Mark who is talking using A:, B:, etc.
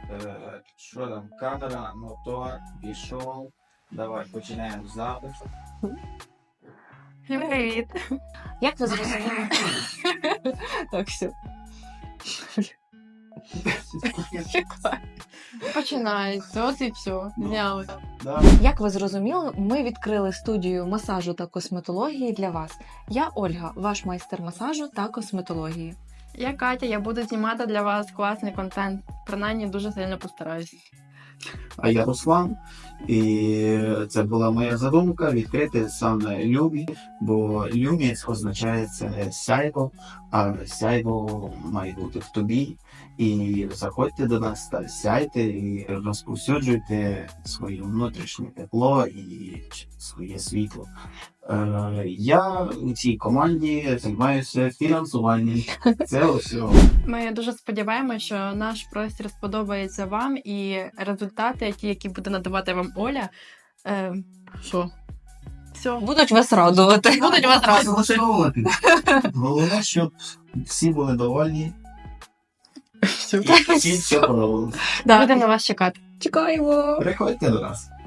A: Що там, камера, мотор, пішов. Давай, починаємо запис.
B: Привіт.
C: Як ви зрозуміли? Так, все.
B: Починається, от і все. Зняли.
A: Да.
C: Як ви зрозуміли, ми відкрили студію масажу та косметології для вас. Я Ольга, ваш майстер масажу та косметології.
B: Я Катя, я буду знімати для вас класний контент. Принаймні дуже сильно постараюсь.
A: А я Руслан, і це була моя задумка відкрити саме Люмі, бо Люмі означає це сяйво, а сяйво має бути в тобі. І заходьте до нас та сяйте і розповсюджуйте своє внутрішнє тепло і своє світло. Я у цій команді займаюся фінансуванням. Це все.
B: Ми дуже сподіваємося, що наш простір сподобається вам і результати, ті, які буде надавати вам Оля. Що? Все.
C: Будуть вас радувати.
B: Будуть вас радувати.
A: Головне, щоб всі були довольні.
B: Все.
A: І всі все подобалося.
B: Будемо на вас чекати.
C: Чекаємо!
A: Приходьте до нас.